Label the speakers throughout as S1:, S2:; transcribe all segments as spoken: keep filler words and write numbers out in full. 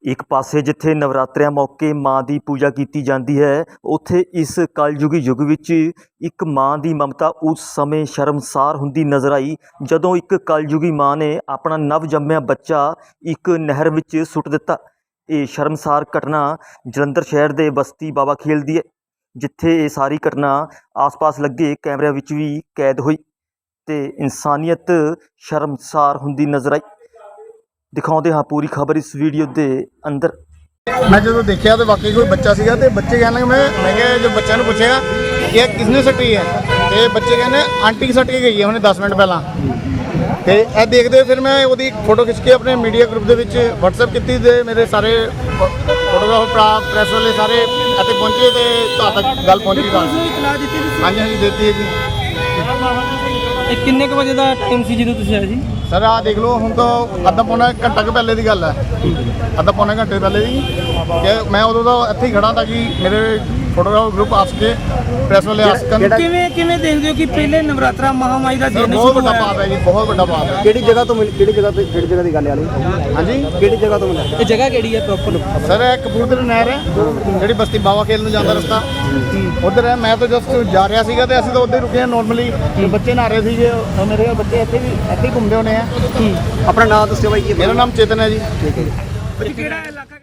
S1: एक पासे जिथे नवरात्रिਆਂ मौके माँ की पूजा की जाती है, उत्थे इस कलयुगी युग विच एक माँ की ममता उस समय शर्मसार हुंदी नज़र आई जदों एक कलयुगी माँ ने अपना नव जम्मिया बच्चा एक नहर विच सुट दिता। ये शर्मसार घटना जलंधर शहर के बस्ती बाबा खेल दी है, जिथे ये सारी घटना आस पास लगे कैमरिਆਂ विच भी कैद हुई ते इंसानियत शर्मसार हुंदी नज़र आई। दिखाते हाँ पूरी खबर इस वीडियो के अंदर।
S2: मैं जो देखा तो वाकई कोई बच्चा सीगा ते बच्चे कहने लगे, मैं मैं क्या जो बच्चे ने पूछा कि ये किसने सट्टी है, तो बच्चे कहने आंटी की सट के गई है उन्हें दस मिनट पहला। तो यह देखते हुए फिर मैं वो फोटो खिंच के अपने मीडिया ग्रुप के व्हाट्सएप की, मेरे सारे फोटोग्राफर प्रैस वाले सारे इतने पहुँचे तो तक गल पहुँची। हाँ जी हाँ जी देती है जी।
S3: किन्ने के बजे का टाइम सी जो तुम आए जी?
S2: सर आ देख लो हूँ तो अद्धा पौना घंटा के पहले की गल है, अद्धा पौने घंटे पहले की कि मैं उदों तो इत्थे ही खड़ा ताकि मेरे फोटोग्राफर ग्रुप आस के प्रैस वाले आस कर
S3: किवें किवें देखदे हो कि पहले नवरात्रा महामाई का दिन
S2: बहुत बड़ा पाप है जी, बहुत बड़ा पाप है।
S4: ਕਿਹੜੀ ਜਗ੍ਹਾ ਤੋਂ ਮਿਲ ਕਿਹੜੀ ਜਗ੍ਹਾ ਤੇ ਕਿਹੜੀ ਜਗ੍ਹਾ ਦੀ ਗੱਲ ਵਾਲੀ?
S2: हाँ जी
S4: ਕਿਹੜੀ ਜਗ੍ਹਾ ਤੋਂ ਮਿਲਿਆ?
S3: ਇਹ ਜਗ੍ਹਾ ਕਿਹੜੀ ਹੈ ਪ੍ਰੋਪਰ?
S2: सर ਇਹ ਕਪੂਰਥਲੇ ਨਹਿਰ ਹੈ ਜਿਹੜੀ ਬਸਤੀ ਬਾਵਾ ਖੇਲ ਨੂੰ ਜਾਂਦਾ ਰਸਤਾ ਉਧਰ ਹੈ। ਮੈਂ ਤਾਂ ਜਸਟ ਜਾ ਰਿਹਾ ਸੀਗਾ ਤੇ ਅਸੀਂ ਤਾਂ ਉੱਧਰ ਰੁਕੇ ਹਾਂ ਨਾਰਮਲੀ, ਬੱਚੇ ਨਹਾ ਰਹੇ ਸੀਗੇ, ਉਹ ਮੇਰੇ ਬੱਚੇ ਇੱਥੇ ਵੀ ਇੱਥੇ ਹੀ ਘੁੰਮਦੇ ਹੋਣੇ ਆ।
S4: ਆਪਣਾ ਨਾਮ ਦੱਸਿਓ ਬਾਈ ਜੀ।
S2: ਮੇਰਾ ਨਾਮ ਚੇਤਨ ਹੈ ਜੀ।
S4: ਠੀਕ ਹੈ ਜੀ।
S3: ਕਿਹੜਾ ਇਲਾਕਾ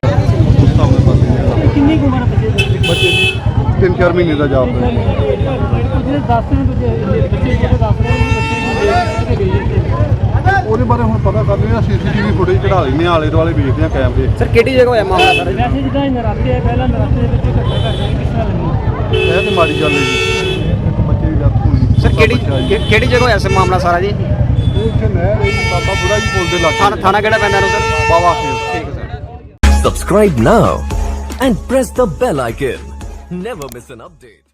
S3: ਕਿੰਨੀ ਕੁ ਉਮਰ ਬੱਚੇ ਦੀ?
S5: ਬੱਚੇ ਦੀ ਤਿੰਨ ਚਾਰ ਮਹੀਨੇ ਦਾ ਜਾਪ ਹੈ।
S3: ਜਿਹੜੇ ਦੱਸ ਰਹੇ ਨੇ ਬੱਚੇ ਜਿਹੜੇ ਦੱਸ ਰਹੇ ਨੇ ਬੱਚੇ ਨੂੰ ਦੇਖ ਕੇ
S5: ਉਹਦੇ ਬਾਰੇ ਹੁਣ ਪਤਾ ਕਰ ਲੈਣਾ, ਸੀਸੀਟੀਵੀ ਫੁਟੇਜ ਚੜਾ ਲੈਂਦੇ ਹਾਂ, ਆਲੇ ਦੁਆਲੇ ਵੇਖਦੇ ਹਾਂ ਕੈਮਰੇ।
S4: ਸਰ ਕਿਹੜੀ ਜਗ੍ਹਾ ਹੋਇਆ ਮਾਮਲਾ ਸਰ?
S3: ਵੈਸੇ ਜਿੱਦਾਂ ਇਹ ਨਰਾਤੇ ਹੈ, ਪਹਿਲਾਂ ਨਰਾਤੇ ਦੇ ਵਿੱਚ ਘਟਨਾ ਘਟ ਰਹੀ ਕਿਸ ਤਰ੍ਹਾਂ ਲੱਗੀ?
S5: ਇਹ ਤੇ ਮਾੜੀ ਗੱਲ ਹੈ ਜੀ, ਇੱਕ ਬੱਚੇ ਦੀ ਡੈਥ ਹੋਈ।
S4: ਸਰ ਕਿਹੜੀ ਕਿ- ਕਿਹੜੀ ਜਗ੍ਹਾ ਹੋਇਆ ਸਰ ਮਾਮਲਾ ਸਾਰਾ ਜੀ?
S5: ਇਹ ਇੱਥੇ ਨਹਿਰ ਹੈ ਜੀ, ਬਾਬਾ ਬੁੜਾ ਜੀ ਪੁੱਲ ਦੇ
S4: ਥਾਣਾ
S5: ਲਾਗੇ
S4: ਥਾਣਾ ਕਿਹੜਾ ਪੈਂਦਾ ਇਹਨੂੰ ਸਰ?
S5: ਬਾਵਾ ਖੇਲ।
S4: ਠੀਕ ਹੈ sir.
S6: Subscribe now and press the bell icon. Never miss an update.